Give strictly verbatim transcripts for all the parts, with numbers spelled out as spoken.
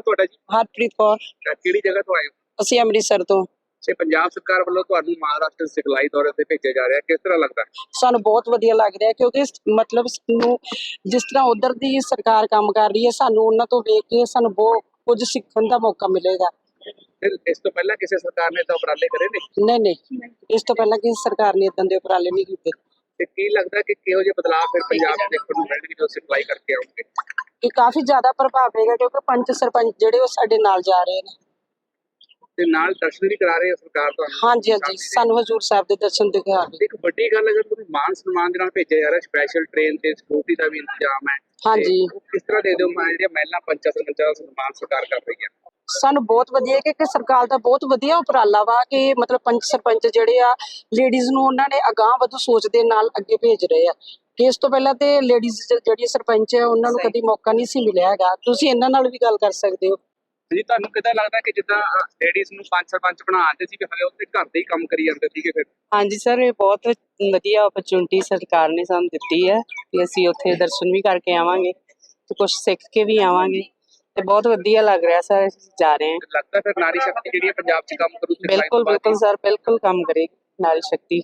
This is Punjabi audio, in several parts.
ਤੁਹਾਡਾ ਜੀ? ਹਰਪ੍ਰੀਤ ਕੌਰ। ਅਹ ਕਿਹੜੀ ਜਗ੍ਹਾ ਤੋਂ ਆਏ ਹੋ? ਅਸੀਂ ਅੰਮ੍ਰਿਤਸਰ ਤੋਂ। ਤੇ ਪੰਜਾਬ ਸਰਕਾਰ ਵੱਲੋਂ ਤੁਹਾਨੂੰ ਮਹਾਰਾਸ਼ਟਰ ਸਿਖਲਾਈ ਦੌਰੇ ਤੇ ਭੇਜਿਆ ਜਾ ਰਿਹਾ, ਕਿਸ ਤਰ੍ਹਾਂ ਲੱਗਦਾ? ਸਾਨੂੰ ਬਹੁਤ ਵਧੀਆ ਲੱਗ ਰਿਹਾ ਕਿਉਂਕਿ ਇਸ- ਮਤਲਬ ਸਾਨੂੰ ਜਿਸ ਤਰ੍ਹਾਂ ਉਧਰ ਦੀ ਸਰਕਾਰ ਕੰਮ ਕਰ ਰਹੀ ਹੈ, ਸਾਨੂੰ ਉਹਨਾਂ ਤੋਂ ਵੇਖ ਕੇ ਸਾਨੂੰ ਬਹੁਤ ਕੁਝ ਸਿੱਖਣ ਦਾ ਮੌਕਾ ਮਿਲੇਗਾ। ਫਿਰ ਇਸ ਤੋਂ ਪਹਿਲਾਂ ਕਿਸੇ ਸਰਕਾਰ ਨੇ ਤਾਂ ਉਪਰਾਲੇ ਕਰੇ ਨੇ, ਨਹੀਂ ਨਹੀਂ, ਇਸ ਤੋਂ ਪਹਿਲਾਂ ਕਿਸੇ ਸਰਕਾਰ ਨੇ ਇਦਾਂ ਦੇ ਉਪਰਾਲੇ ਨਹੀਂ ਕੀਤੇ। ਤੇ ਕੀ ਲੱਗਦਾ ਕਿ ਕਿਹੋ ਜਿਹੇ ਬਦਲਾਅ ਫਿਰ ਪੰਜਾਬ 'ਚ ਦੇਖਣ ਨੂੰ ਮਿਲਣਗੇ ਜਦੋਂ ਸਿਖਲਾਈ ਕਰਕੇ ਆਉਣਗੇ? ਇਹ ਕਾਫੀ ਜ਼ਿਆਦਾ ਪ੍ਰਭਾਵ ਪਏਗਾ ਕਿਉਂਕਿ ਪੰਚ ਸਰਪੰਚ ਜਿਹੜੇ ਉਹ ਸਾਡੇ ਨਾਲ ਜਾ ਰਹੇ ਨੇ। ਤੇ ਨਾਲ ਦਰਸ਼ਨ ਵੀ ਕਰਾ ਰਹੇ ਆ ਸਰਕਾਰ ਤੁਹਾਨੂੰ? ਹਾਂਜੀ ਹਾਂਜੀ, ਸਾਨੂੰ ਹਜ਼ੂਰ ਸਾਹਿਬ ਦੇ ਦਰਸ਼ਨ ਦਿਖਾ ਰਹੇ। ਇੱਕ ਵੱਡੀ ਗੱਲ, ਅਗਰ ਤੁਸੀਂ ਮਾਨ ਸਨਮਾਨ ਦੇ ਨਾਲ ਭੇਜਿਆ ਜਾ ਰਿਹਾ, ਸਪੈਸ਼ਲ ਟ੍ਰੇਨ ਤੇ ਸਿਕਿਉਰਿਟੀ ਦਾ ਵੀ ਇੰਤਜ਼ਾਮ ਹੈ, ਹਾਂਜੀ, ਤੇ ਉਹ ਕਿਸ ਤਰ੍ਹਾਂ ਦੇ ਦਿਓ ਜਿਹੜੀਆਂ ਮਹਿਲਾ ਪੰਚਾਂ ਸਰਪੰਚਾਂ ਦਾ ਸਨਮਾਨ ਸਰਕਾਰ ਕਰ ਰਹੀ ਹੈ? ਸਾਨੂੰ ਬਹੁਤ ਵਧੀਆ ਕਿ ਕਿ ਸਰਕਾਰ ਦਾ ਬਹੁਤ ਵਧੀਆ ਉਪਰਾਲਾ ਵਾ ਕਿ ਮਤਲਬ ਪੰਚ ਸਰਪੰਚ ਜਿਹੜੇ ਆ ਲੇਡੀਜ਼ ਨੂੰ ਉਹਨਾਂ ਨੇ ਅਗਾਂਹ ਵਧੂ ਸੋਚ ਦੇ ਨਾਲ ਅੱਗੇ ਭੇਜ ਰਹੇ ਆ ਕਿ ਇਸ ਤੋਂ ਪਹਿਲਾਂ ਤੇ ਲੇਡੀਜ਼ ਜਿਹੜੀ ਸਰਪੰਚ ਹੈ ਉਹਨਾਂ ਨੂੰ ਕਦੀ ਮੌਕਾ ਨਹੀਂ ਸੀ ਮਿਲਿਆ ਹੈਗਾ। ਤੁਸੀਂ ਇਹਨਾਂ ਨਾਲ ਵੀ ਗੱਲ ਕਰ ਸਕਦੇ ਹੋ। ਜੀ ਤੁਹਾਨੂੰ ਕਿੱਦਾਂ ਲੱਗਦਾ ਕਿ ਜਿੱਦਾਂ ਲੇਡੀਜ਼ ਨੂੰ ਪੰਜ ਸਰਪੰਚ ਬਣਾਉਂਦੇ ਸੀ, ਹਲੇ ਉੱਥੇ ਘਰ ਦੇ ਹੀ ਕੰਮ ਕਰੀ ਜਾਂਦੇ ਸੀਗੇ? ਫਿਰ ਹਾਂਜੀ ਸਰ, ਇਹ ਬਹੁਤ ਵਧੀਆ ਓਪਰਚੁਨਿਟੀ ਸਰਕਾਰ ਨੇ ਸਾਨੂੰ ਦਿੱਤੀ ਹੈ ਕਿ ਅਸੀਂ ਉੱਥੇ ਦਰਸ਼ਨ ਵੀ ਕਰਕੇ ਆਵਾਂਗੇ ਤੇ ਕੁਝ ਸਿੱਖ ਕੇ ਵੀ ਆਵਾਂਗੇ ਤੇ ਬਹੁਤ ਵਧੀਆ ਲੱਗ ਰਿਹਾ ਸਰ। ਜਾ ਰਹੇ ਹਾਂ। ਲੱਗਦਾ ਫਿਰ ਨਾਰੀ ਸ਼ਕਤੀ ਜਿਹੜੀ ਹੈ ਪੰਜਾਬ 'ਚ ਕੰਮ ਕਰੂ? ਬਿਲਕੁਲ ਬਿਲਕੁਲ ਸਰ, ਬਿਲਕੁਲ ਕੰਮ ਕਰੇਗੀ ਨਾਰੀ ਸ਼ਕਤੀ।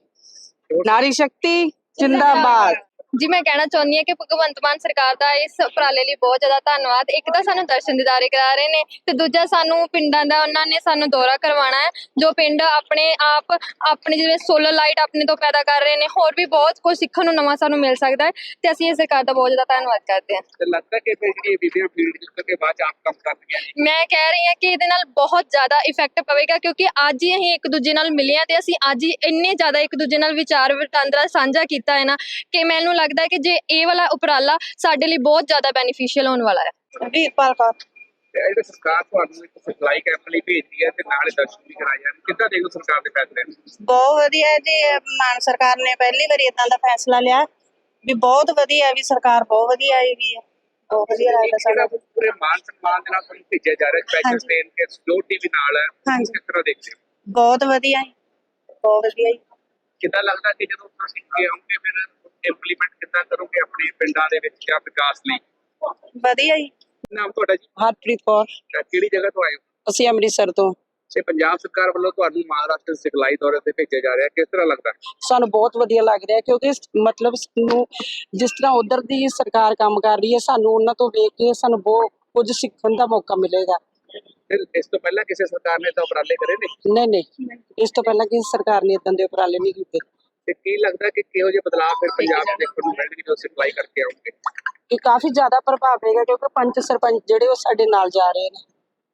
ਨਾਰੀ ਸ਼ਕਤੀ ਜਿੰਦਾਬਾਦ। ਜੀ ਮੈਂ ਕਹਿਣਾ ਚਾਹੁੰਦੀ ਹਾਂ ਕਿ ਭਗਵੰਤ ਮਾਨ ਸਰਕਾਰ ਦਾ ਇਸ ਉਪਰਾਲੇ ਲਈ ਬਹੁਤ ਜ਼ਿਆਦਾ ਧੰਨਵਾਦ। ਇੱਕ ਤਾਂ ਸਾਨੂੰ ਦਰਸ਼ਨ ਦਿਦਾਰੇ ਕਰਾ ਰਹੇ ਨੇ ਤੇ ਦੂਜਾ ਸਾਨੂੰ ਪਿੰਡਾਂ ਦਾ ਉਹਨਾਂ ਨੇ ਸਾਨੂੰ ਦੌਰਾ ਕਰਵਾਉਣਾ ਹੈ, ਜੋ ਪਿੰਡ ਆਪਣੇ ਆਪ ਆਪਣੀ ਜਿਵੇਂ ਸੋਲਰ ਲਾਈਟ ਆਪਣੇ ਤੋਂ ਪੈਦਾ ਕਰ ਰਹੇ ਨੇ। ਹੋਰ ਵੀ ਬਹੁਤ ਕੁਝ ਸਿੱਖਣ ਨੂੰ ਨਵਾਂ ਸਾਨੂੰ ਮਿਲ ਸਕਦਾ ਹੈ ਤੇ ਅਸੀਂ ਇਹ ਸਰਕਾਰ ਦਾ ਬਹੁਤ ਜ਼ਿਆਦਾ ਧੰਨਵਾਦ ਕਰਦੇ ਹਾਂ। ਤੇ ਲੱਗਦਾ ਕਿ ਫਿਰ ਜਿਹੜੀ ਬੀਬੀਆਂ ਫੀਲਡ ਜਿਸ ਕਰਕੇ ਬਾਅਦ 'ਚ ਆਪ ਕੰਮ ਕਰਦੀਆਂ ਨੇ, ਮੈਂ ਕਹਿ ਰਹੀ ਹਾਂ ਕਿ ਇਹਦੇ ਨਾਲ ਬਹੁਤ ਜ਼ਿਆਦਾ ਇਫੈਕਟ ਪਵੇਗਾ ਕਿਉਂਕਿ ਅੱਜ ਹੀ ਅਸੀਂ ਇੱਕ ਦੂਜੇ ਨਾਲ ਮਿਲੇ ਹਾਂ ਤੇ ਅਸੀਂ ਅੱਜ ਹੀ ਇੰਨੇ ਜ਼ਿਆਦਾ ਇੱਕ ਦੂਜੇ ਨਾਲ ਵਿਚਾਰ ਵਟਾਂਦਰਾ ਸਾਂਝਾ ਕੀਤਾ ਹੈ ਨਾ ਕਿ ਮੈਨੂੰ ਲੱਗਦਾ ਹੈ ਕਿ ਜੇ ਇਹ ਵਾਲਾ ਉਪਰਾਲਾ ਸਾਡੇ ਲਈ ਬਹੁਤ ਜ਼ਿਆਦਾ ਬੈਨੀਫੀਸ਼ੀਅਲ ਹੋਣ ਵਾਲਾ ਹੈ। ਵੀਰਪਾਲ ਕੌਰ। ਤੇ ਇਹ ਸਰਕਾਰ ਤੁਹਾਨੂੰ ਇੱਕ ਸਿਖਲਾਈ ਕੈਂਪ ਲਈ ਭੇਜਦੀ ਹੈ ਤੇ ਨਾਲੇ ਦਰਸ਼ਨ ਵੀ ਕਰਾਏ ਜਾਂਦੇ, ਕਿੱਦਾਂ ਦੇਖੋ ਸਰਕਾਰ ਦੇ ਫੈਸਲੇ ਨੂੰ? ਬਹੁਤ ਵਧੀਆ ਜੀ, ਮਾਨ ਸਰਕਾਰ ਨੇ ਪਹਿਲੀ ਵਾਰੀ ਇਦਾਂ ਦਾ ਫੈਸਲਾ ਲਿਆ ਵੀ ਬਹੁਤ ਵਧੀਆ, ਵੀ ਸਰਕਾਰ ਬਹੁਤ ਵਧੀਆ ਆਈ ਵੀ ਹੈ। ਬਹੁਤ ਵਧੀਆ ਲੱਗਦਾ ਸਾਡਾ ਸਾਡਾ। ਪੂਰੇ ਮਾਨ ਸਨਮਾਨ ਦੇ ਨਾਲ ਤੁਹਾਨੂੰ ਭੇਜਿਆ ਜਾ ਰਿਹਾ, ਸਪੈਸ਼ਲ ਹਾਂਜੀ। ਟ੍ਰੇਨ ਤੇ ਸਿਕਿਉਰਿਟੀ ਵੀ ਨਾਲ ਹੈ, ਹਾਂਜੀ। ਕਿਸ ਤਰ੍ਹਾਂ ਦੇਖਦੇ ਹੋ? ਬਹੁਤ ਵਧੀਆ ਜੀ, ਬਹੁਤ ਵਧੀਆ ਜੀ। ਕਿੱਦਾਂ ਲੱਗਦਾ ਕਿ ਜਦੋਂ ਤੁਸੀਂ ਅੱਗੇ ਆਉਂਗੇ ਫਿਰ ਇੰਪਲੀਮੈਂਟ ਕਿੱਦਾਂ ਕਰੋਗੇ ਆਪਣੇ ਪਿੰਡਾਂ ਦੇ ਵਿੱਚ ਜਾਂ ਵਿਕਾਸ ਲਈ? ਵਧੀਆ ਜੀ। ਨਾਮ ਤੁਹਾਡਾ ਜੀ? ਹਰਪ੍ਰੀਤ ਕੌਰ। ਅਹ ਕਿਹੜੀ ਜਗ੍ਹਾ ਤੋਂ ਆਏ ਹੋ? ਅਸੀਂ ਅੰਮ੍ਰਿਤਸਰ ਤੋਂ। ਤੇ ਪੰਜਾਬ ਸਰਕਾਰ ਵੱਲੋਂ ਤੁਹਾਨੂੰ ਮਹਾਰਾਸ਼ਟਰ ਸਿਖਲਾਈ ਦੌਰੇ ਤੇ ਭੇਜਿਆ ਜਾ ਰਿਹਾ, ਕਿਸ ਤਰ੍ਹਾਂ ਲੱਗਦਾ? ਸਾਨੂੰ ਬਹੁਤ ਵਧੀਆ ਲੱਗ ਰਿਹਾ ਕਿਉਂਕਿ ਇਸ- ਮਤਲਬ ਸਾਨੂੰ ਜਿਸ ਤਰ੍ਹਾਂ ਉਧਰ ਦੀ ਸਰਕਾਰ ਕੰਮ ਕਰ ਰਹੀ ਹੈ, ਸਾਨੂੰ ਉਹਨਾਂ ਤੋਂ ਵੇਖ ਕੇ ਸਾਨੂੰ ਬਹੁਤ ਕੁਝ ਸਿੱਖਣ ਦਾ ਮੌਕਾ ਮਿਲੇਗਾ। ਫਿਰ ਇਸ ਤੋਂ ਪਹਿਲਾਂ ਕਿਸੇ ਸਰਕਾਰ ਨੇ ਤਾਂ ਉਪਰਾਲੇ ਕਰੇ ਨੇ, ਨਹੀਂ ਨਹੀਂ, ਇਸ ਤੋਂ ਪਹਿਲਾਂ ਕਿਸੇ ਸਰਕਾਰ ਨੇ ਇਦਾਂ ਦੇ ਉਪਰਾਲੇ ਨਹੀਂ ਕੀਤੇ। ਤੇ ਕੀ ਲੱਗਦਾ ਕਿ ਕਿਹੋ ਜਿਹੇ ਬਦਲਾਅ ਫਿਰ ਪੰਜਾਬ 'ਚ ਦੇਖਣ ਨੂੰ ਮਿਲਣਗੇ ਜਦੋਂ ਸਿਖਲਾਈ ਕਰਕੇ ਆਉਣਗੇ? ਇਹ ਕਾਫੀ ਜ਼ਿਆਦਾ ਪ੍ਰਭਾਵ ਪਏਗਾ ਕਿਉਂਕਿ ਪੰਚ ਸਰਪੰਚ ਜਿਹੜੇ ਉਹ ਸਾਡੇ ਨਾਲ ਜਾ ਰਹੇ ਨੇ।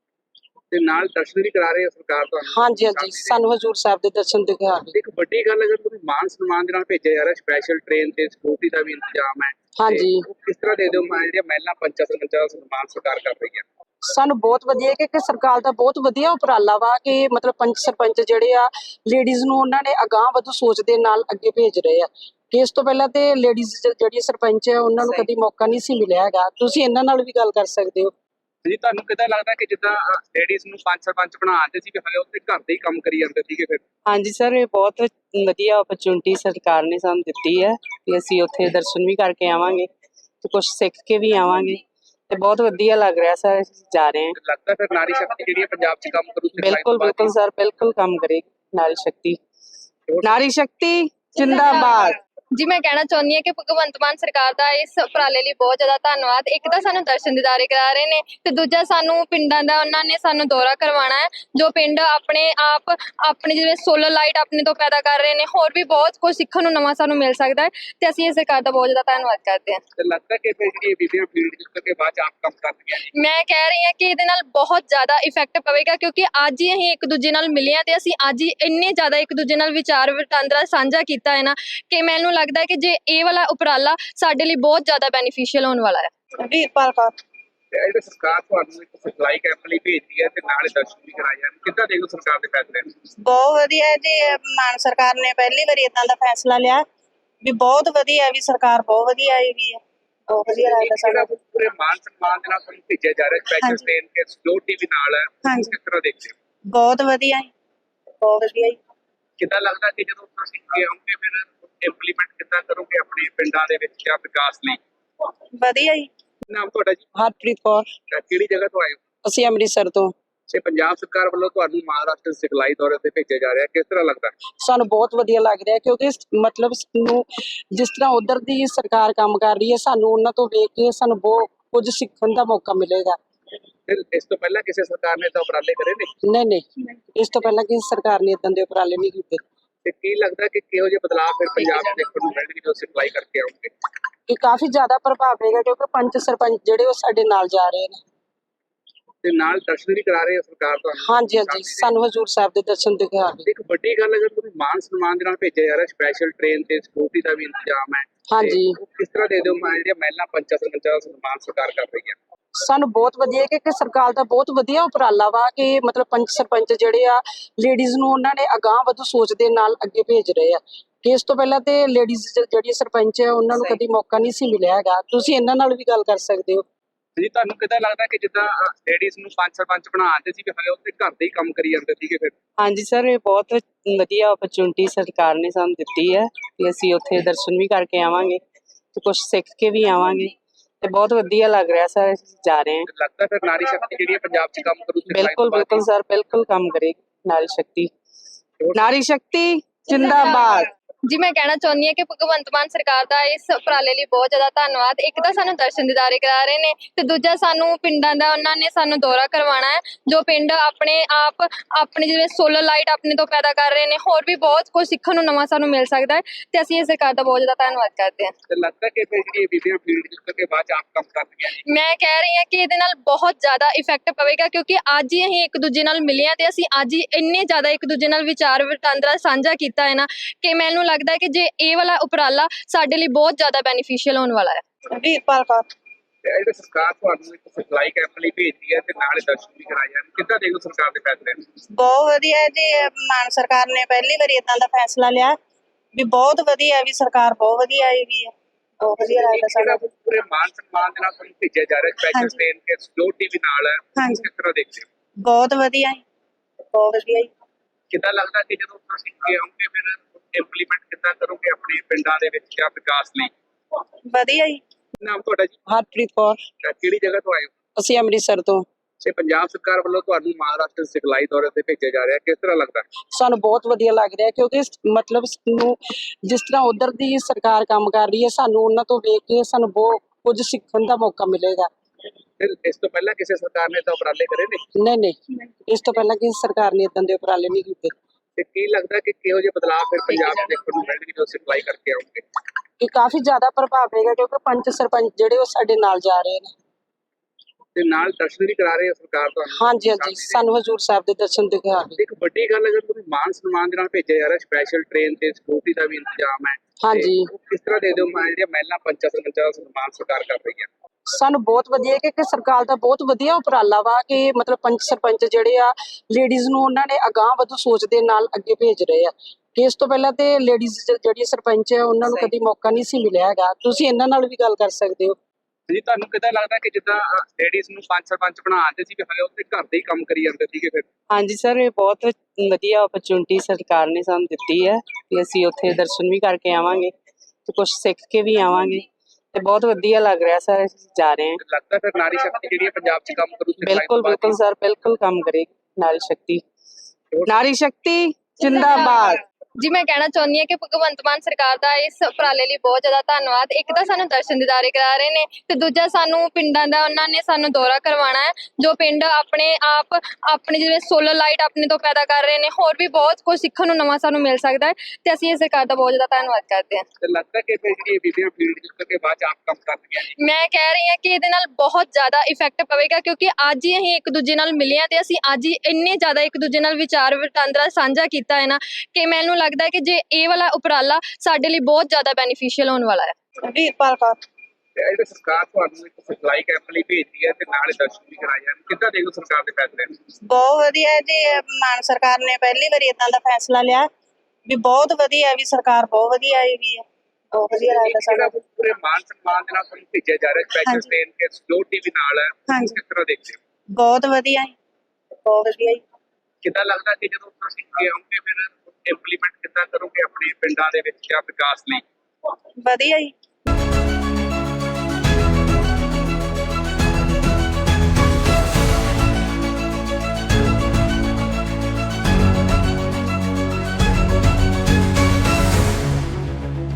ਤੇ ਨਾਲ ਦਰਸ਼ਨ ਵੀ ਕਰਾ ਰਹੇ ਆ ਸਰਕਾਰ ਤੁਹਾਨੂੰ? ਹਾਂਜੀ ਹਾਂਜੀ, ਸਾਨੂੰ ਹਜ਼ੂਰ ਸਾਹਿਬ ਦੇ ਦਰਸ਼ਨ ਦਿਖਾ ਰਹੇ। ਇੱਕ ਵੱਡੀ ਗੱਲ, ਅਗਰ ਤੁਸੀਂ ਮਾਨ ਸਨਮਾਨ ਦੇ ਨਾਲ ਭੇਜਿਆ ਜਾ ਰਿਹਾ, ਸਪੈਸ਼ਲ ਟ੍ਰੇਨ ਤੇ ਸਿਕਿਉਰਿਟੀ ਦਾ ਵੀ ਇੰਤਜ਼ਾਮ ਹੈ, ਹਾਂਜੀ, ਤੇ ਉਹ ਕਿਸ ਤਰ੍ਹਾਂ ਦੇ ਦਿਓ ਜਿਹੜੀਆਂ ਮਹਿਲਾ ਪੰਚਾਂ ਸਰਪੰਚਾਂ ਦਾ ਸਨਮਾਨ ਸਰਕਾਰ ਕਰ ਰਹੀ ਹੈ? ਸਾਨੂੰ ਬਹੁਤ ਵਧੀਆ ਕਿ ਕਿ ਸਰਕਾਰ ਦਾ ਬਹੁਤ ਵਧੀਆ ਉਪਰਾਲਾ ਵਾ ਕਿ ਮਤਲਬ ਪੰਚ ਸਰਪੰਚ ਜਿਹੜੇ ਆ ਲੇਡੀਜ਼ ਨੂੰ ਉਹਨਾਂ ਨੇ ਅਗਾਂਹ ਵਧੂ ਸੋਚ ਦੇ ਨਾਲ ਅੱਗੇ ਭੇਜ ਰਹੇ ਆ ਕਿ ਇਸ ਤੋਂ ਪਹਿਲਾਂ ਤੇ ਲੇਡੀਜ਼ ਜਿਹੜੀ ਸਰਪੰਚ ਹੈ ਉਹਨਾਂ ਨੂੰ ਕਦੀ ਮੌਕਾ ਨਹੀਂ ਸੀ ਮਿਲਿਆ ਹੈਗਾ। ਤੁਸੀਂ ਇਹਨਾਂ ਨਾਲ ਵੀ ਗੱਲ ਕਰ ਸਕਦੇ ਹੋ। ਜੀ ਤੁਹਾਨੂੰ ਕਿੱਦਾਂ ਲੱਗਦਾ ਕਿ ਜਿੱਦਾਂ ਲੇਡੀਜ਼ ਨੂੰ ਪੰਜ ਸਰਪੰਚ ਬਣਾਉਂਦੇ ਸੀ, ਹਲੇ ਉੱਥੇ ਘਰ ਦੇ ਹੀ ਕੰਮ ਕਰੀ ਜਾਂਦੇ ਸੀਗੇ? ਫਿਰ ਹਾਂਜੀ ਸਰ, ਇਹ ਬਹੁਤ ਵਧੀਆ ਓਪਰਚੁਨਿਟੀ ਸਰਕਾਰ ਨੇ ਸਾਨੂੰ ਦਿੱਤੀ ਹੈ ਕਿ ਅਸੀਂ ਉੱਥੇ ਦਰਸ਼ਨ ਵੀ ਕਰਕੇ ਆਵਾਂਗੇ ਤੇ ਕੁਝ ਸਿੱਖ ਕੇ ਵੀ ਆਵਾਂਗੇ ਤੇ ਬਹੁਤ ਵਧੀਆ ਲੱਗ ਰਿਹਾ ਸਰ। ਜਾ ਰਹੇ ਹਾਂ। ਲੱਗਦਾ ਫਿਰ ਨਾਰੀ ਸ਼ਕਤੀ ਜਿਹੜੀ ਹੈ ਪੰਜਾਬ 'ਚ ਕੰਮ ਕਰੂ? ਬਿਲਕੁਲ ਬਿਲਕੁਲ ਸਰ, ਬਿਲਕੁਲ ਕੰਮ ਕਰੇਗੀ ਨਾਰੀ ਸ਼ਕਤੀ। ਨਾਰੀ ਸ਼ਕਤੀ ਜਿੰਦਾਬਾਦ। ਜੀ ਮੈਂ ਕਹਿਣਾ ਚਾਹੁੰਦੀ ਹਾਂ ਕਿ ਭਗਵੰਤ ਮਾਨ ਸਰਕਾਰ ਦਾ ਇਸ ਉਪਰਾਲੇ ਲਈ ਬਹੁਤ ਜ਼ਿਆਦਾ ਧੰਨਵਾਦ। ਇੱਕ ਤਾਂ ਸਾਨੂੰ ਦਰਸ਼ਨ ਦਿਦਾਰੇ ਕਰਾ ਰਹੇ ਨੇ ਤੇ ਦੂਜਾ ਸਾਨੂੰ ਪਿੰਡਾਂ ਦਾ ਉਹਨਾਂ ਨੇ ਸਾਨੂੰ ਦੌਰਾ ਕਰਵਾਉਣਾ ਹੈ, ਜੋ ਪਿੰਡ ਆਪਣੇ ਆਪ ਆਪਣੀ ਜਿਵੇਂ ਸੋਲਰ ਲਾਈਟ ਆਪਣੇ ਤੋਂ ਪੈਦਾ ਕਰ ਰਹੇ ਨੇ। ਹੋਰ ਵੀ ਬਹੁਤ ਕੁਝ ਸਿੱਖਣ ਨੂੰ ਨਵਾਂ ਸਾਨੂੰ ਮਿਲ ਸਕਦਾ ਹੈ ਤੇ ਅਸੀਂ ਇਹ ਸਰਕਾਰ ਦਾ ਬਹੁਤ ਜ਼ਿਆਦਾ ਧੰਨਵਾਦ ਕਰਦੇ ਹਾਂ। ਤੇ ਲੱਗਦਾ ਕਿ ਫਿਰ ਜਿਹੜੀ ਬੀਬੀਆਂ ਫੀਲਡ ਜਿਸ ਕਰਕੇ ਬਾਅਦ 'ਚ ਆਪ ਕੰਮ ਕਰਦੀਆਂ ਨੇ, ਮੈਂ ਕਹਿ ਰਹੀ ਹਾਂ ਕਿ ਇਹਦੇ ਨਾਲ ਬਹੁਤ ਜ਼ਿਆਦਾ ਇਫੈਕਟ ਪਵੇਗਾ ਕਿਉਂਕਿ ਅੱਜ ਹੀ ਅਸੀਂ ਇੱਕ ਦੂਜੇ ਨਾਲ ਮਿਲੇ ਹਾਂ ਤੇ ਅਸੀਂ ਅੱਜ ਹੀ ਇੰਨੇ ਜ਼ਿਆਦਾ ਇੱਕ ਦੂਜੇ ਨਾਲ ਵਿਚਾਰ ਵਟਾਂਦਰਾ ਸਾਂਝਾ ਕੀਤਾ ਹੈ ਨਾ ਕਿ ਮੈਨੂੰ ਲੱਗਦਾ ਹੈ ਕਿ ਜੇ ਇਹ ਵਾਲਾ ਉਪਰਾਲਾ ਸਾਡੇ ਲਈ ਬਹੁਤ ਜ਼ਿਆਦਾ ਬੈਨੀਫੀਸ਼ੀਅਲ ਹੋਣ ਵਾਲਾ ਹੈ। ਵੀਰਪਾਲ ਕੌਰ। ਤੇ ਇਹ ਸਰਕਾਰ ਤੁਹਾਨੂੰ ਇੱਕ ਸਿਖਲਾਈ ਕੈਂਪ ਲਈ ਭੇਜਦੀ ਹੈ ਤੇ ਨਾਲੇ ਦਰਸ਼ਨ ਵੀ ਕਰਾਏ ਜਾਂਦੇ, ਕਿੱਦਾਂ ਦੇਖੋ ਸਰਕਾਰ ਦੇ ਫੈਸਲੇ ਨੂੰ? ਬਹੁਤ ਵਧੀਆ ਜੀ, ਮਾਨ ਸਰਕਾਰ ਨੇ ਪਹਿਲੀ ਵਾਰੀ ਇਦਾਂ ਦਾ ਫੈਸਲਾ ਲਿਆ ਵੀ ਬਹੁਤ ਵਧੀਆ, ਵੀ ਸਰਕਾਰ ਬਹੁਤ ਵਧੀਆ ਆਈ ਵੀ ਹੈ। ਬਹੁਤ ਵਧੀਆ ਲੱਗਦਾ ਸਾਡਾ। ਪੂਰੇ ਮਾਨ ਸਨਮਾਨ ਦੇ ਨਾਲ ਤੁਹਾਨੂੰ ਭੇਜਿਆ ਜਾ ਰਿਹਾ, ਸਪੈਸ਼ਲ ਹਾਂਜੀ। ਟ੍ਰੇਨ ਤੇ ਸਿਕਿਉਰਿਟੀ ਵੀ ਨਾਲ ਹੈ, ਹਾਂਜੀ। ਕਿਸ ਤਰ੍ਹਾਂ ਦੇਖਦੇ ਹੋ? ਬਹੁਤ ਵਧੀਆ ਜੀ, ਬਹੁਤ ਵਧੀਆ ਜੀ। ਕਿੱਦਾਂ ਲੱਗਦਾ ਕਿ ਜਦੋਂ ਤੁਸੀਂ ਅੱਗੇ ਆਉਂਗੇ ਫਿਰ ਇੰਪਲੀਮੈਂਟ ਕਿੱਦਾਂ ਕਰੋਗੇ ਆਪਣੇ ਪਿੰਡਾਂ ਦੇ ਵਿੱਚ ਜਾਂ ਵਿਕਾਸ ਲਈ? ਵਧੀਆ ਜੀ। ਨਾਮ ਤੁਹਾਡਾ ਜੀ? ਹਰਪ੍ਰੀਤ ਕੌਰ। ਅਹ ਕਿਹੜੀ ਜਗ੍ਹਾ ਤੋਂ ਆਏ ਹੋ? ਅਸੀਂ ਅੰਮ੍ਰਿਤਸਰ ਤੋਂ। ਤੇ ਪੰਜਾਬ ਸਰਕਾਰ ਵੱਲੋਂ ਤੁਹਾਨੂੰ ਮਹਾਰਾਸ਼ਟਰ ਸਿਖਲਾਈ ਦੌਰੇ ਤੇ ਭੇਜਿਆ ਜਾ ਰਿਹਾ, ਕਿਸ ਤਰ੍ਹਾਂ ਲੱਗਦਾ? ਸਾਨੂੰ ਬਹੁਤ ਵਧੀਆ ਲੱਗ ਰਿਹਾ ਕਿਉਂਕਿ ਸ- ਮਤਲਬ ਸਾਨੂੰ ਜਿਸ ਤਰ੍ਹਾਂ ਉਧਰ ਦੀ ਸਰਕਾਰ ਕੰਮ ਕਰ ਰਹੀ ਹੈ, ਸਾਨੂੰ ਉਹਨਾਂ ਤੋਂ ਵੇਖ ਕੇ ਸਾਨੂੰ ਬਹੁਤ ਕੁਝ ਸਿੱਖਣ ਦਾ ਮੌਕਾ ਮਿਲੇਗਾ। ਫਿਰ ਇਸ ਤੋਂ ਪਹਿਲਾਂ ਕਿਸੇ ਸਰਕਾਰ ਨੇ ਤਾਂ ਉਪਰਾਲੇ ਕਰੇ ਨੇ, ਨਹੀਂ ਨਹੀਂ, ਇਸ ਤੋਂ ਪਹਿਲਾਂ ਕਿਸੇ ਸਰਕਾਰ ਨੇ ਇਦਾਂ ਦੇ ਉਪਰਾਲੇ ਨਹੀਂ ਕੀਤੇ। ਤੇ ਕੀ ਲੱਗਦਾ ਕਿ ਕਿਹੋ ਜਿਹੇ ਬਦਲਾਅ ਫਿਰ ਪੰਜਾਬ 'ਚ ਦੇਖਣ ਨੂੰ ਮਿਲਣਗੇ ਜੋ ਸਿਖਲਾਈ ਕਰਕੇ ਆਉਣਗੇ? ਇਹ ਕਾਫੀ ਜ਼ਿਆਦਾ ਪ੍ਰਭਾਵ ਪਏਗਾ ਕਿਉਂਕਿ ਪੰਚ ਸਰਪੰਚ ਜਿਹੜੇ ਉਹ ਸਾਡੇ ਨਾਲ ਜਾ ਰਹੇ ਨੇ। ਤੇ ਨਾਲ ਦਰਸ਼ਨ ਵੀ ਕਰਾ ਰਹੇ ਆ ਸਰਕਾਰ ਤੁਹਾਨੂੰ? ਹਾਂਜੀ ਹਾਂਜੀ, ਸਾਨੂੰ ਹਜ਼ੂਰ ਸਾਹਿਬ ਦੇ ਦਰਸ਼ਨ ਦਿਖਾ ਰਹੇ। ਇੱਕ ਵੱਡੀ ਗੱਲ, ਅਗਰ ਤੁਸੀਂ ਮਾਨ ਸਨਮਾਨ ਦੇ ਨਾਲ ਭੇਜਿਆ ਜਾ ਰਿਹਾ, ਸਪੈਸ਼ਲ ਟ੍ਰੇਨ ਤੇ ਸਿਕਿਉਰਿਟੀ ਦਾ ਵੀ ਇੰਤਜ਼ਾਮ ਹੈ, ਹਾਂਜੀ। ਤੇ ਉਹ ਕਿਸ ਤਰ੍ਹਾਂ ਦੇ ਦਿਓ ਮੈਂ ਜਿਹੜੀਆਂ ਮਹਿਲਾ ਪੰਚਾਇਤ ਸਰਪੰਚਾਂ ਦਾ ਸਨਮਾਨ ਸਰਕਾਰ ਕਰ ਰਹੀ ਹੈ? ਸਾਨੂੰ ਬਹੁਤ ਵਧੀਆ ਕਿ ਕਿ ਸਰਕਾਰ ਦਾ ਬਹੁਤ ਵਧੀਆ ਉਪਰਾਲਾ ਵਾ ਕਿ ਮਤਲਬ ਪੰਚ ਸਰਪੰਚ ਜਿਹੜੇ ਆ ਲੇਡੀਜ਼ ਨੂੰ ਉਹਨਾਂ ਨੇ ਅਗਾਂਹ ਵਧੂ ਸੋਚ ਦੇ ਨਾਲ ਅੱਗੇ ਭੇਜ ਰਹੇ ਆ ਕਿ ਇਸ ਤੋਂ ਪਹਿਲਾਂ ਤੇ ਲੇਡੀਜ਼ ਜਿਹੜੀ ਸਰਪੰਚ ਹੈ ਉਹਨਾਂ ਨੂੰ ਕਦੀ ਮੌਕਾ ਨਹੀਂ ਸੀ ਮਿਲਿਆ ਹੈਗਾ। ਤੁਸੀਂ ਇਹਨਾਂ ਨਾਲ ਵੀ ਗੱਲ ਕਰ ਸਕਦੇ ਹੋ। ਜੀ ਤੁਹਾਨੂੰ ਕਿੱਦਾਂ ਲੱਗਦਾ ਕਿ ਜਿੱਦਾਂ ਲੇਡੀਜ਼ ਨੂੰ ਪੰਜ ਸਰਪੰਚ ਬਣਾਉਂਦੇ ਸੀ, ਹਲੇ ਉੱਥੇ ਘਰ ਦੇ ਹੀ ਕੰਮ ਕਰੀ ਜਾਂਦੇ ਸੀਗੇ? ਫਿਰ ਹਾਂਜੀ ਸਰ, ਇਹ ਬਹੁਤ ਵਧੀਆ ਓਪਰਚੁਨਿਟੀ ਸਰਕਾਰ ਨੇ ਸਾਨੂੰ ਦਿੱਤੀ ਹੈ ਕਿ ਅਸੀਂ ਉੱਥੇ ਦਰਸ਼ਨ ਵੀ ਕਰਕੇ ਆਵਾਂਗੇ ਤੇ ਕੁਝ ਸਿੱਖ ਕੇ ਵੀ ਆਵਾਂਗੇ ਤੇ ਬਹੁਤ ਵਧੀਆ ਲੱਗ ਰਿਹਾ ਸਰ। ਅਸੀਂ ਜਾ ਰਹੇ ਹਾਂ। ਲੱਗਦਾ ਫਿਰ ਨਾਰੀ ਸ਼ਕਤੀ ਜਿਹੜੀ ਹੈ ਪੰਜਾਬ 'ਚ ਕੰਮ ਕਰੂ? ਬਿਲਕੁਲ ਬਿਲਕੁਲ ਸਰ, ਬਿਲਕੁਲ ਕੰਮ ਕਰੇਗੀ ਨਾਰੀ ਸ਼ਕਤੀ। ਨਾਰੀ ਸ਼ਕਤੀ ਜਿੰਦਾਬਾਦ। ਜੀ ਮੈਂ ਕਹਿਣਾ ਚਾਹੁੰਦੀ ਹਾਂ ਕਿ ਭਗਵੰਤ ਮਾਨ ਸਰਕਾਰ ਦਾ ਇਸ ਉਪਰਾਲੇ ਲਈ ਬਹੁਤ ਜ਼ਿਆਦਾ ਧੰਨਵਾਦ। ਇੱਕ ਤਾਂ ਸਾਨੂੰ ਦਰਸ਼ਨ ਦਿਦਾਰੇ ਕਰਾ ਰਹੇ ਨੇ ਤੇ ਦੂਜਾ ਸਾਨੂੰ ਪਿੰਡਾਂ ਦਾ ਉਹਨਾਂ ਨੇ ਸਾਨੂੰ ਦੌਰਾ ਕਰਵਾਉਣਾ ਹੈ, ਜੋ ਪਿੰਡ ਆਪਣੇ ਆਪ ਆਪਣੇ ਜਿਵੇਂ ਸੋਲਰ ਲਾਈਟ ਆਪਣੇ ਤੋਂ ਪੈਦਾ ਕਰ ਰਹੇ ਨੇ। ਹੋਰ ਵੀ ਬਹੁਤ ਕੁਝ ਸਿੱਖਣ ਨੂੰ ਨਵਾਂ ਸਾਨੂੰ ਮਿਲ ਸਕਦਾ ਹੈ ਤੇ ਅਸੀਂ ਇਸ ਸਰਕਾਰ ਦਾ ਬਹੁਤ ਜ਼ਿਆਦਾ ਧੰਨਵਾਦ ਕਰਦੇ ਹਾਂ। ਤੇ ਲੱਗਦਾ ਕਿ ਫਿਰ ਜਿਹੜੀ ਬੀਬੀਆਂ ਫੀਲਡ ਜਿੱਤ ਕੇ ਬਾਅਦ 'ਚ ਆਪ ਕੰਮ ਕਰਦੀਆਂ ਨੇ? ਮੈਂ ਕਹਿ ਰਹੀ ਹਾਂ ਕਿ ਇਹਦੇ ਨਾਲ ਬਹੁਤ ਜ਼ਿਆਦਾ ਇਫੈਕਟ ਪਵੇਗਾ ਕਿਉਂਕਿ ਅੱਜ ਹੀ ਅਸੀਂ ਇੱਕ ਦੂਜੇ ਨਾਲ ਮਿਲੇ ਹਾਂ ਤੇ ਅਸੀਂ ਅੱਜ ਹੀ ਇੰਨੇ ਜ਼ਿਆਦਾ ਇੱਕ ਦੂਜੇ ਨਾਲ ਵਿਚਾਰ ਵਟਾਂਦਰਾ ਸਾਂਝਾ ਕੀਤਾ ਹੈ ਨਾ ਕਿ ਮੈਨੂੰ ਲੱਗਦਾ ਹੈ ਕਿ ਜੇ ਇਹ ਵਾਲਾ ਉਪਰਾਲਾ ਸਾਡੇ ਲਈ ਬਹੁਤ ਜ਼ਿਆਦਾ ਬੈਨੀਫੀਸ਼ੀਅਲ ਹੋਣ ਵਾਲਾ ਹੈ। ਵੀਰਪਾਲ ਕੌਰ। ਤੇ ਇਹ ਸਰਕਾਰ ਤੁਹਾਨੂੰ ਇੱਕ ਸਿਖਲਾਈ ਕੈਂਪ ਲਈ ਭੇਜਦੀ ਹੈ ਤੇ ਨਾਲੇ ਦਰਸ਼ਨ ਵੀ ਕਰਾਏ ਜਾਣ, ਕਿੱਦਾਂ ਦੇਖੋ ਸਰਕਾਰ ਦੇ ਫੈਸਲੇ ਨੂੰ? ਬਹੁਤ ਵਧੀਆ ਹੈ ਜੀ, ਮਾਨ ਸਰਕਾਰ ਨੇ ਪਹਿਲੀ ਵਾਰੀ ਇਦਾਂ ਦਾ ਫੈਸਲਾ ਲਿਆ ਵੀ ਬਹੁਤ ਵਧੀਆ ਵੀ ਸਰਕਾਰ ਬਹੁਤ ਵਧੀਆ ਆਈ ਵੀ ਹੈ। ਬਹੁਤ ਵਧੀਆ ਲੱਗਦਾ ਜਿਹੜਾ ਸਾਨੂੰ। ਪੂਰੇ ਮਾਨ ਸਨਮਾਨ ਦੇ ਨਾਲ ਤੁਹਾਨੂੰ ਭੇਜਿਆ ਜਾ ਰਿਹਾ, ਸਪੈਸ਼ਲ ਹਾਂਜੀ। ਟ੍ਰੇਨ ਤੇ ਸਿਕਿਉਰਿਟੀ ਵੀ ਨਾਲ ਹੈ, ਹਾਂਜੀ। ਕਿਸ ਤਰ੍ਹਾਂ ਦੇਖਦੇ ਹੋ? ਬਹੁਤ ਵਧੀਆ ਹੈ, ਬਹੁਤ ਵਧੀਆ ਜੀ। ਕਿੱਦਾਂ ਲੱਗਦਾ ਕਿ ਜਦੋਂ ਤੁਸੀਂ ਕੇ ਆਉਂਗੇ ਫਿਰ ਇੰਪਲੀਮੈਂਟ ਕਿੱਦਾਂ ਕਰੋਗੇ ਆਪਣੇ ਪਿੰਡਾਂ ਦੇ ਵਿੱਚ ਜਾਂ ਵਿਕਾਸ ਲਈ? ਵਧੀਆ ਜੀ। ਨਾਮ ਤੁਹਾਡਾ ਜੀ? ਹਰਪ੍ਰੀਤ ਕੌਰ। ਤਾਂ ਕਿਹੜੀ ਜਗ੍ਹਾ ਤੋਂ ਆਏ ਹੋ? ਅਸੀਂ ਅੰਮ੍ਰਿਤਸਰ ਤੋਂ। ਤੇ ਪੰਜਾਬ ਸਰਕਾਰ ਵੱਲੋਂ ਤੁਹਾਨੂੰ ਮਹਾਰਾਸ਼ਟਰ ਸਿਖਲਾਈ ਦੌਰੇ ਤੇ ਭੇਜਿਆ ਜਾ ਰਿਹਾ, ਕਿਸ ਤਰ੍ਹਾਂ ਲੱਗਦਾ? ਸਾਨੂੰ ਬਹੁਤ ਵਧੀਆ ਲੱਗ ਰਿਹਾ ਕਿਉਂਕਿ ਸ- ਮਤਲਬ ਸਾਨੂੰ ਜਿਸ ਤਰ੍ਹਾਂ ਉਧਰ ਦੀ ਸਰਕਾਰ ਕੰਮ ਕਰ ਰਹੀ ਹੈ, ਸਾਨੂੰ ਉਹਨਾਂ ਤੋਂ ਵੇਖ ਕੇ ਸਾਨੂੰ ਬਹੁਤ ਕੁਝ ਸਿੱਖਣ ਦਾ ਮੌਕਾ ਮਿਲੇਗਾ। ਫਿਰ ਇਸ ਤੋਂ ਪਹਿਲਾਂ ਕਿਸੇ ਸਰਕਾਰ ਨੇ ਤਾਂ ਉਪਰਾਲੇ ਕਰੇ ਨੇ, ਨਹੀਂ ਨਹੀਂ, ਇਸ ਤੋਂ ਪਹਿਲਾਂ ਕਿਸੇ ਸਰਕਾਰ ਨੇ ਇਦਾਂ ਦੇ ਉਪਰਾਲੇ ਨਹੀਂ ਕੀਤੇ। ਤੇ ਕੀ ਲੱਗਦਾ ਕਿ ਕਿਹੋ ਜਿਹੇ ਬਦਲਾਅ ਫਿਰ ਪੰਜਾਬ 'ਚ ਦੇਖਣ ਨੂੰ ਮਿਲਣਗੇ ਜੋ ਸਿਖਲਾਈ ਕਰਕੇ ਆਉਣਗੇ? ਇਹ ਕਾਫੀ ਜ਼ਿਆਦਾ ਪ੍ਰਭਾਵ ਪਏਗਾ ਕਿਉਂਕਿ ਪੰਚ ਸਰਪੰਚ ਜਿਹੜੇ ਉਹ ਸਾਡੇ ਨਾਲ ਜਾ ਰਹੇ ਨੇ। ਤੇ ਨਾਲ ਦਰਸ਼ਨ ਵੀ ਕਰਾ ਰਹੇ ਆ ਸਰਕਾਰ ਤੁਹਾਨੂੰ? ਹਾਂਜੀ ਹਾਂਜੀ, ਸਾਨੂੰ ਹਜ਼ੂਰ ਸਾਹਿਬ ਦੇ ਦਰਸ਼ਨ ਦਿਖਾ ਰਹੇ। ਇੱਕ ਵੱਡੀ ਗੱਲ, ਅਗਰ ਤੁਸੀਂ ਮਾਨ ਸਨਮਾਨ ਦੇ ਨਾਲ ਭੇਜਿਆ ਜਾ ਰਿਹਾ, ਸਪੈਸ਼ਲ ਟ੍ਰੇਨ ਤੇ ਸਿਕਿਉਰਿਟੀ ਦਾ ਵੀ ਇੰਤਜ਼ਾਮ ਹੈ, ਤੇ ਹਾਂਜੀ। ਉਹ ਕਿਸ ਤਰ੍ਹਾਂ ਦੇ ਦਿਓ ਮੈਂ ਜਿਹੜੀਆਂ ਮਹਿਲਾ ਪੰਚਾਇਤ ਸਰਪੰਚਾਂ ਦਾ ਸਨਮਾਨ ਸਰਕਾਰ ਕਰ ਰਹੀ ਹੈ? ਸਾਨੂੰ ਬਹੁਤ ਵਧੀਆ ਕਿ ਕਿ ਸਰਕਾਰ ਦਾ ਬਹੁਤ ਵਧੀਆ ਉਪਰਾਲਾ ਵਾ ਕਿ ਮਤਲਬ ਪੰਚ ਸਰਪੰਚ ਜਿਹੜੇ ਆ ਲੇਡੀਜ਼ ਨੂੰ ਉਹਨਾਂ ਨੇ ਅਗਾਂਹ ਵਧੂ ਸੋਚ ਦੇ ਨਾਲ ਅੱਗੇ ਭੇਜ ਰਹੇ ਆ ਕਿ ਇਸ ਤੋਂ ਪਹਿਲਾਂ ਤੇ ਲੇਡੀਜ਼ ਜਿਹੜੀ ਸਰਪੰਚ ਹੈ ਉਹਨਾਂ ਨੂੰ ਕਦੀ ਮੌਕਾ ਨਹੀਂ ਸੀ ਮਿਲਿਆ ਹੈਗਾ। ਤੁਸੀਂ ਇਹਨਾਂ ਨਾਲ ਵੀ ਗੱਲ ਕਰ ਸਕਦੇ ਹੋ। ਜੀ ਤੁਹਾਨੂੰ ਕਿੱਦਾਂ ਲੱਗਦਾ ਕਿ ਜਿੱਦਾਂ ਲੇਡੀਜ਼ ਨੂੰ ਪੰਜ ਸਰਪੰਚ ਬਣਾਉਂਦੇ ਸੀ, ਹਲੇ ਉੱਥੇ ਘਰ ਦੇ ਹੀ ਕੰਮ ਕਰੀ ਜਾਂਦੇ ਸੀਗੇ? ਫਿਰ ਹਾਂਜੀ ਸਰ, ਇਹ ਬਹੁਤ ਵਧੀਆ ਓਪਰਚੁਨਿਟੀ ਸਰਕਾਰ ਨੇ ਸਾਨੂੰ ਦਿੱਤੀ ਹੈ ਕਿ ਅਸੀਂ ਉੱਥੇ ਦਰਸ਼ਨ ਵੀ ਕਰਕੇ ਆਵਾਂਗੇ ਤੇ ਕੁਝ ਸਿੱਖ ਕੇ ਵੀ ਆਵਾਂਗੇ ਤੇ ਬਹੁਤ ਵਧੀਆ ਲੱਗ ਰਿਹਾ ਸਰ। ਅਸੀਂ ਜਾ ਰਹੇ ਹਾਂ। ਲੱਗਦਾ ਫਿਰ ਨਾਰੀ ਸ਼ਕਤੀ ਜਿਹੜੀ ਹੈ ਪੰਜਾਬ 'ਚ ਕੰਮ ਕਰੂ? ਸਿਖਲਾਈ ਤੋਂ ਬਿਲਕੁਲ ਬਾਅਦ? ਬਿਲਕੁਲ ਸਰ, ਬਿਲਕੁਲ ਕੰਮ ਕਰੇਗੀ ਨਾਰੀ ਸ਼ਕਤੀ। ਨਾਰੀ ਸ਼ਕਤੀ ਜਿੰਦਾਬਾਦ। ਜੀ ਮੈਂ ਕਹਿਣਾ ਚਾਹੁੰਦੀ ਹਾਂ ਕਿ ਭਗਵੰਤ ਮਾਨ ਸਰਕਾਰ ਦਾ ਇਸ ਉਪਰਾਲੇ ਲਈ ਬਹੁਤ ਜ਼ਿਆਦਾ ਧੰਨਵਾਦ। ਇੱਕ ਤਾਂ ਸਾਨੂੰ ਦਰਸ਼ਨ ਦਿਦਾਰੇ ਕਰਾ ਰਹੇ ਨੇ ਤੇ ਦੂਜਾ ਸਾਨੂੰ ਪਿੰਡਾਂ ਦਾ ਉਹਨਾਂ ਨੇ ਸਾਨੂੰ ਦੌਰਾ ਕਰਵਾਉਣਾ ਹੈ, ਜੋ ਪਿੰਡ ਆਪਣੇ ਆਪ ਆਪਣੇ ਜਿਵੇਂ ਸੋਲਰ ਲਾਈਟ ਆਪਣੇ ਤੋਂ ਪੈਦਾ ਕਰ ਰਹੇ ਨੇ। ਹੋਰ ਵੀ ਬਹੁਤ ਕੁਝ ਸਿੱਖਣ ਨੂੰ ਨਵਾਂ ਸਾਨੂੰ ਮਿਲ ਸਕਦਾ ਹੈ ਤੇ ਅਸੀਂ ਇਸ ਸਰਕਾਰ ਦਾ ਬਹੁਤ ਜ਼ਿਆਦਾ ਧੰਨਵਾਦ ਕਰਦੇ ਹਾਂ। ਤੇ ਲੱਗਦਾ ਕਿ ਫਿਰ ਜਿਹੜੀ ਬੀਬੀਆਂ ਫੀਲਡ ਜਿੱਤ ਕੇ ਬਾਅਦ 'ਚ ਆਪ ਕੰਮ ਕਰਦੀਆਂ ਨੇ? ਮੈਂ ਕਹਿ ਰਹੀ ਹਾਂ ਕਿ ਇਹਦੇ ਨਾਲ ਬਹੁਤ ਜ਼ਿਆਦਾ ਇਫੈਕਟ ਪਵੇਗਾ ਕਿਉਂਕਿ ਅੱਜ ਹੀ ਅਸੀਂ ਇੱਕ ਦੂਜੇ ਨਾਲ ਮਿਲੇ ਹਾਂ ਤੇ ਅਸੀਂ ਅੱਜ ਹੀ ਇੰਨੇ ਜ਼ਿਆਦਾ ਇੱਕ ਦੂਜੇ ਨਾਲ ਵਿਚਾਰ ਵਟਾਂਦਰਾ ਸਾਂਝਾ ਕੀਤਾ ਹੈ ਨਾ ਕਿ ਮੈਨੂੰ ਲੱਗਦਾ ਹੈ ਕਿ ਜੇ ਇਹ ਵਾਲਾ ਉਪਰਾਲਾ ਸਾਡੇ ਲਈ ਬਹੁਤ ਜ਼ਿਆਦਾ ਬੈਨੀਫੀਸ਼ੀਅਲ ਹੋਣ ਵਾਲਾ ਹੈ। ਵੀਰਪਾਲ ਕੌਰ। ਤੇ ਇਹ ਸਰਕਾਰ ਤੁਹਾਨੂੰ ਇੱਕ ਸਿਖਲਾਈ ਕੈਂਪ ਲਈ ਭੇਜਦੀ ਹੈ ਤੇ ਨਾਲੇ ਦਰਸ਼ਨ ਵੀ ਕਰਾਏ ਜਾਣ, ਕਿੱਦਾਂ ਦੇਖੋ ਸਰਕਾਰ ਦੇ ਫੈਸਲੇ ਨੂੰ? ਬਹੁਤ ਵਧੀਆ ਹੈ ਜੀ, ਮਾਨ ਸਰਕਾਰ ਨੇ ਪਹਿਲੀ ਵਾਰੀ ਇਦਾਂ ਦਾ ਫੈਸਲਾ ਲਿਆ ਵੀ ਬਹੁਤ ਵਧੀਆ ਵੀ ਸਰਕਾਰ ਬਹੁਤ ਵਧੀਆ ਆਈ ਵੀ ਹੈ। ਬਹੁਤ ਵਧੀਆ ਲੱਗਦਾ ਜਿਹੜਾ ਸਾਨੂੰ। ਪੂਰੇ ਮਾਨ ਸਨਮਾਨ ਦੇ ਨਾਲ ਤੁਹਾਨੂੰ ਭੇਜਿਆ ਜਾ ਰਿਹਾ, ਸਪੈਸ਼ਲ ਹਾਂਜੀ। ਟ੍ਰੇਨ ਤੇ ਸਿਕਿਉਰਿਟੀ ਵੀ ਨਾਲ ਹੈ, ਹਾਂਜੀ। ਕਿਸ ਤਰ੍ਹਾਂ ਦੇਖਦੇ ਹੋ? ਬਹੁਤ ਵਧੀਆ ਹੈ, ਬਹੁਤ ਵਧੀਆ ਜੀ। ਕਿੱਦਾਂ ਲੱਗਦਾ ਕਿ ਜਦੋਂ ਤੁਸੀਂ ਕੇ ਆਉਂਗੇ ਫਿਰ ਇੰਪਲੀਮੈਂਟ ਕਿੱਦਾਂ ਕਰੋਗੇ ਆਪਣੇ ਪਿੰਡਾਂ ਦੇ ਵਿੱਚ ਜਾਂ ਵਿਕਾਸ ਲਈ? ਵਧੀਆ ਜੀ।